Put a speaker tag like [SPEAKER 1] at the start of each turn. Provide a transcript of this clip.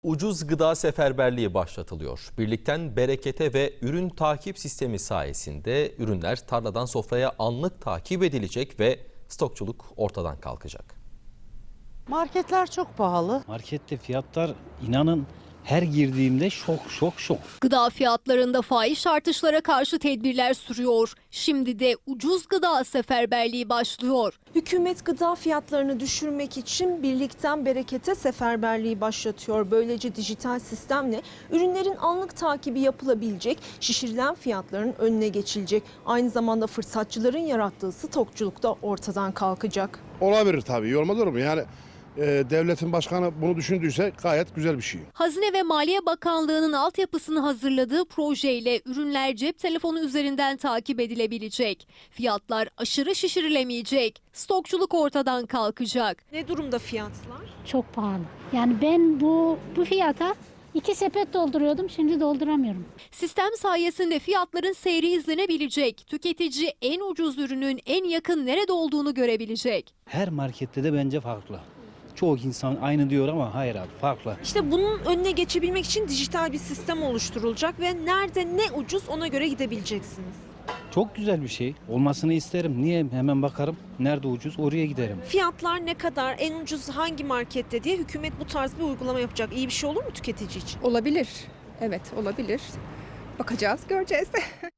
[SPEAKER 1] Ucuz gıda seferberliği başlatılıyor. Birlikten berekete ve ürün takip sistemi sayesinde ürünler tarladan sofraya anlık takip edilecek ve stokçuluk ortadan kalkacak.
[SPEAKER 2] Marketler çok pahalı.
[SPEAKER 3] Markette fiyatlar inanın her girdiğimde şok.
[SPEAKER 4] Gıda fiyatlarında fahiş artışlara karşı tedbirler sürüyor. Şimdi de ucuz gıda seferberliği başlıyor.
[SPEAKER 5] Hükümet gıda fiyatlarını düşürmek için birlikten berekete seferberliği başlatıyor. Böylece dijital sistemle ürünlerin anlık takibi yapılabilecek, şişirilen fiyatların önüne geçilecek. Aynı zamanda fırsatçıların yarattığı stokçuluk da ortadan kalkacak.
[SPEAKER 6] Olabilir tabii, iyi olmaz olur mu? Yani devletin başkanı bunu düşündüyse gayet güzel bir şey.
[SPEAKER 4] Hazine ve Maliye Bakanlığı'nın altyapısını hazırladığı projeyle ürünler cep telefonu üzerinden takip edilebilecek. Fiyatlar aşırı şişirilemeyecek. Stokçuluk ortadan kalkacak.
[SPEAKER 5] Ne durumda fiyatlar?
[SPEAKER 7] Çok pahalı. Yani ben bu fiyata 2 sepet dolduruyordum, şimdi dolduramıyorum.
[SPEAKER 4] Sistem sayesinde fiyatların seyri izlenebilecek. Tüketici en ucuz ürünün en yakın nerede olduğunu görebilecek.
[SPEAKER 3] Her markette de bence farklı. Çoğu insan aynı diyor ama hayır abi farklı.
[SPEAKER 5] İşte bunun önüne geçebilmek için dijital bir sistem oluşturulacak ve nerede ne ucuz ona göre gidebileceksiniz.
[SPEAKER 3] Çok güzel bir şey. Olmasını isterim. Niye? Hemen bakarım. Nerede ucuz oraya giderim.
[SPEAKER 5] Fiyatlar ne kadar, en ucuz hangi markette diye hükümet bu tarz bir uygulama yapacak. İyi bir şey olur mu tüketici için?
[SPEAKER 8] Olabilir. Evet, olabilir. Bakacağız, göreceğiz.